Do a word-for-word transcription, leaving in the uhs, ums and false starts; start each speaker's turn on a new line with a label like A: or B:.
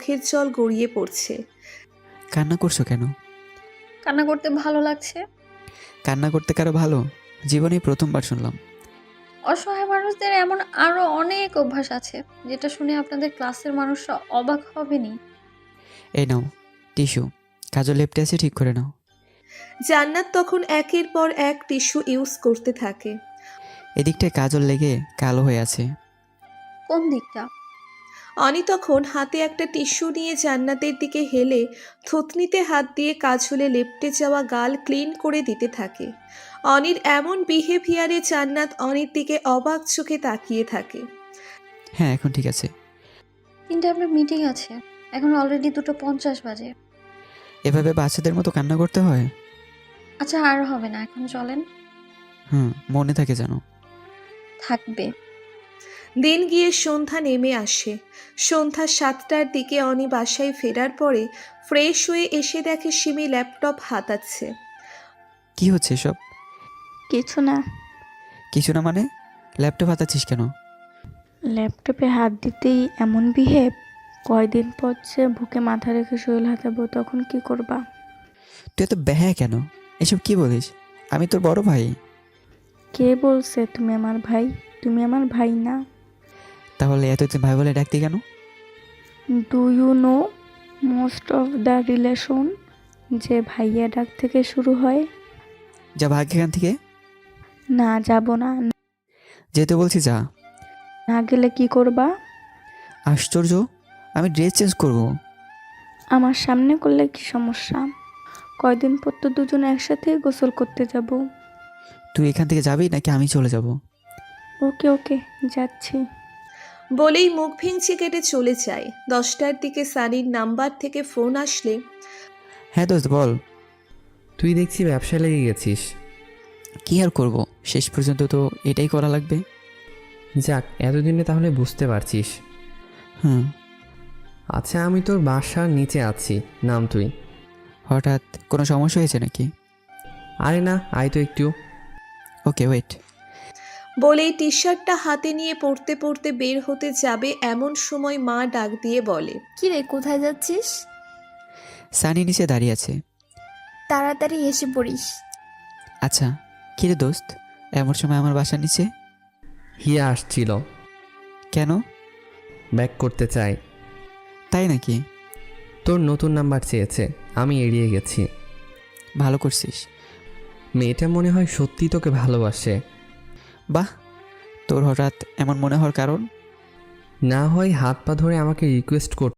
A: চোখের জল গড়িয়ে পড়ছে।
B: কান্না করছো কেন?
C: কান্না করতে ভালো লাগছে।
B: কান্না করতে কারো ভালো? জীবনেই প্রথমবার শুনলাম।
C: অসহায় মানুষদের এমন আরো অনেক অভ্যাস আছে যেটা শুনে আপনাদের ক্লাসের মানুষরা অবাক হবেনি।
B: এই নাও টিস্যু, কাজল লেপটে আছে, ঠিক করে নাও।
A: জান্নাত তখন একের পর এক টিস্যু ইউজ করতে থাকে।
B: এদিকটায় কাজল লেগে কালো হয়ে আছে।
C: কোন দিকটা?
A: অনি তখন হাতে একটা টিস্যু নিয়ে জান্নাতের দিকে হেলে থুতনিতে হাত দিয়ে কাজলে লেপটে যাওয়া গাল ক্লিন করে দিতে থাকে। অনির এমন বিহেভিয়ারে জান্নাত অনির দিকে অবাক চোখে তাকিয়ে থাকে।
B: হ্যাঁ এখন ঠিক আছে।
C: তিনটে আপনার মিটিং আছে, এখন অলরেডি দুটো পঞ্চাশ বাজে।
B: এভাবে বাচ্চাদের মতো কান্না করতে হয়?
C: আচ্ছা আর হবে না, এখন চলেন।
B: হুম, মনে থাকে যেন।
C: থাকবে।
A: দিন গিয়ে সন্ধ্যা নেমে আসে। সন্ধ্যা সাতটার দিকে অনি বাসায় ফেরার পরে ফ্রেশ হয়ে এসে দেখে সিমি ল্যাপটপ হাতাচ্ছে।
B: কি হচ্ছে এসব?
D: কিছু না।
B: কিছু না মানে? ল্যাপটপ হাতাচ্ছিস কেন?
D: ল্যাপটপে হাত দিতেই এমন বিহেভ। কয়দিন পর যে বুকে মাথা রেখে শরীর হাতাবো, তখন কি করবা?
B: তুই এত ব্যাহা কেন? এসব কি বলিস? আমি তোর বড় ভাই।
D: কে বলছে তুমি আমার ভাই? তুমি আমার ভাই না।
B: তাহলে এতদিন ভাই বলে ডাকতি কেন?
D: Do you know most of the relation যে ভাইয়া ডাক থেকে শুরু হয়?
B: যা ভাগ এখান থেকে।
D: না যাব না।
B: যেতে বলছি যা।
D: না গেলে কি করবা?
B: আশ্চর্য, আমি ড্রেস চেঞ্জ করব।
D: আমার সামনে করলে কি সমস্যা? কয়দিন পর তো দুজন একসাথে গোসল করতে যাব।
B: তুই এখান থেকে যাবি নাকি আমি চলে যাব?
D: ওকে ওকে যাচ্ছি।
A: বলেই মুখ ভেঙচি কেটে চলে যায়। দশটার দিকে সানির নাম্বার থেকে ফোন আসলে
B: হ্যাঁ দোস্ত বল।
E: তুই দেখছি ব্যবসায় লেগে গেছিস।
B: কি আর করব, শেষ পর্যন্ত তো এটাই করা লাগবে।
E: যাক, এতদিনে তাহলে বুঝতে পারছিস।
B: হুম।
E: আচ্ছা, আমি তোর বাসার নিচে আছি, নাম তুই।
B: হঠাৎ কোনো সমস্যা হয়েছে নাকি?
E: আরে না, আয় তো একটু।
B: Okay wait.
A: বলেই টি শার্টটা হাতে নিয়ে পড়তে পড়তে বের হতে যাবে এমন সময় মা ডাক দিয়ে বলে,
F: কি রে, কোথায় যাচ্ছিস?
B: সানি নিচে দাঁড়িয়ে আছে।
F: তাড়াতাড়ি এসে পড়িস।
B: আচ্ছা, কি রে দোস্ত, এমন সময় আমার বাসার নিচে?
E: হিয়া আসছিল,
B: কেন?
E: ব্যাক করতে চাই।
B: তাই নাকি?
E: তোর নতুন নাম্বার চেয়েছে, আমি এড়িয়ে গেছি।
B: ভালো করছিস।
E: মেয়েটা মনে হয় সত্যি তোকে ভালোবাসে।
B: বাহ, তোর হঠাৎ এমন মনে হওয়ার কারণ?
E: না হয় হাত পা ধরে আমাকে রিকোয়েস্ট করতে